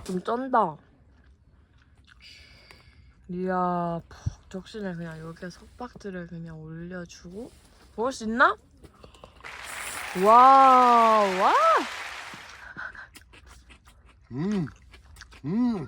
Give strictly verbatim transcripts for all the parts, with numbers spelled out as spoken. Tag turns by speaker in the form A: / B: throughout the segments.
A: 좀 쩐다. 이야, 푹 적신을 그냥 여기에 석박지를 그냥 올려주고 먹을 수 있나? 와, 와.
B: 음, 음.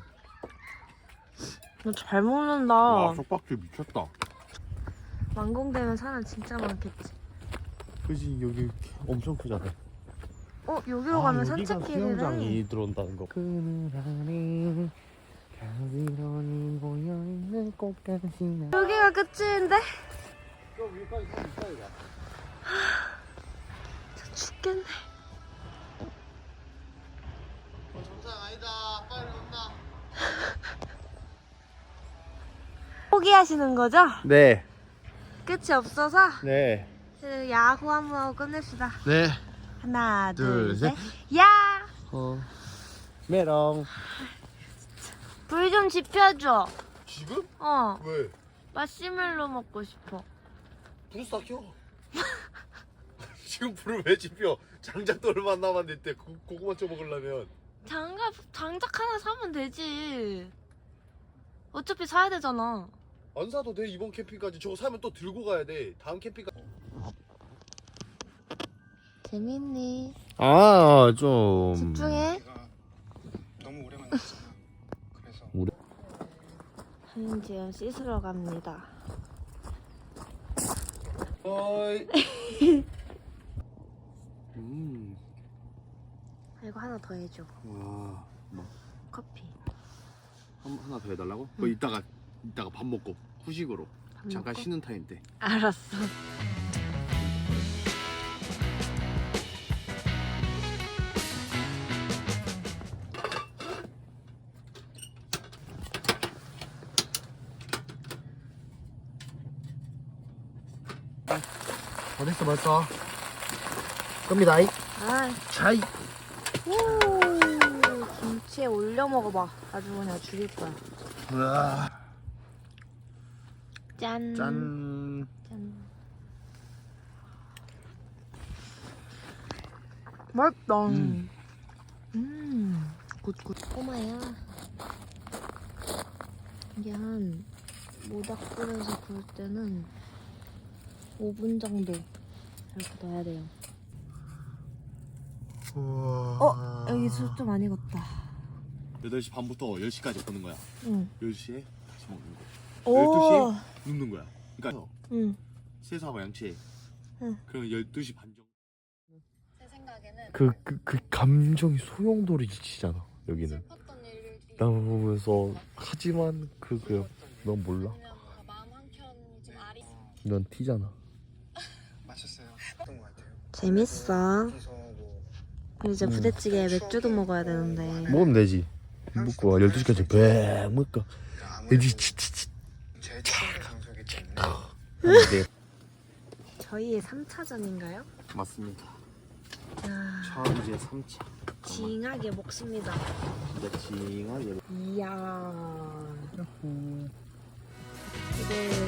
A: 너 잘 먹는다.
B: 와, 석박지 미쳤다.
A: 완공되면 사람 진짜 많겠지.
B: 그지, 여기 엄청 크잖아.
A: 어, 여기로 가면 산책길이래.
B: 수영장이 들어온다는 거. 그늘하니 가위로니 모여있는 꽃가시나.
A: 여기가 끝인데?
B: 저 위까지 좀 있어야
A: 저 죽겠네.
B: 어, 정상 아니다. 빨리 온나.
A: 포기하시는 거죠?
B: 네.
A: 끝이 없어서
B: 네.
A: 그 야구 한번 하고 끝냅시다.
B: 네.
A: 하나,
B: 둘,
A: 둘,
B: 셋.
A: 셋. 야!
B: 어. 메롱.
A: 불 좀 지펴줘.
B: 지금?
A: 어.
B: 왜?
A: 마시멜로 먹고 싶어.
B: 불을 싹 켜. 지금 불을 왜 지펴? 장작도 얼마 안 남았는데 고, 고구마 쪄 먹으려면.
A: 장갑, 장작 하나 사면 되지. 어차피 사야 되잖아.
B: 안 사도 돼. 이번 캠핑까지 저거 사면 또 들고 가야 돼. 다음 캠핑까지.
A: 재밌니?
B: 아, 좀
A: 집중해.
C: 너무 오래 만났잖아. 그래서
B: 오래?
A: 한지연 씻으러 갑니다.
B: 어이. 음.
A: 이거 하나 더 해줘.
B: 와. 뭐
A: 커피.
B: 한, 하나 더 해달라고? 그거 이따가 이따가 밥 먹고 후식으로
A: 밥
B: 잠깐
A: 먹고?
B: 쉬는 타임 때.
A: 알았어.
B: 어딨어 벌써? 겁니다.
A: 아,
B: 자이.
A: 오, 김치에 올려 먹어봐. 아주 그냥 죽일 거야.
B: 우와.
A: 짠.
B: 짠.
A: 짠. 맛있다.
B: 음.
A: 음. 굿굿. 꼬마야. 이게 한 모닥불에서 구울 때는 오 분 정도 이렇게 넣어야 돼요.
B: 우와.
A: 어? 여기 술 좀 많이 익었다.
B: 여덟 시 반부터 열 시까지 보는 거야.
A: 응.
B: 열 시에 다시 먹는 거.
A: 오.
B: 열두 시에 눕는 거야. 그러니까
A: 응.
B: 세수하고 양치해.
A: 응.
B: 그럼 열두 시 반 정도.
D: 제 생각에는
B: 그, 그, 그 감정이 소용돌이치잖아 여기는.
D: 슬펐던 일들이
B: 나 보면서 하지만 그, 그, 넌 몰라?
D: 아니면 뭔가 마음 한켠이 좀 아리
B: 넌 티잖아.
C: 마셨어요. 어떤 것 같아요?
A: 재밌어.
C: 그래서 뭐
A: 이제
B: 음.
A: 부대찌개에 맥주도 먹어야 되는데.
B: 먹으면 되지. 먹고 열두 시까지 배 먹고
C: 아무래도
B: 열두 시 치치치
C: 제일 최고의 장소이기 때문에
B: 하는데.
A: 저희의 삼 차전인가요?
B: 맞습니다.
A: 아,
B: 처음 이제 삼 차.
A: 징하게 먹습니다.
B: 진짜 징하게.
A: 이야. 이게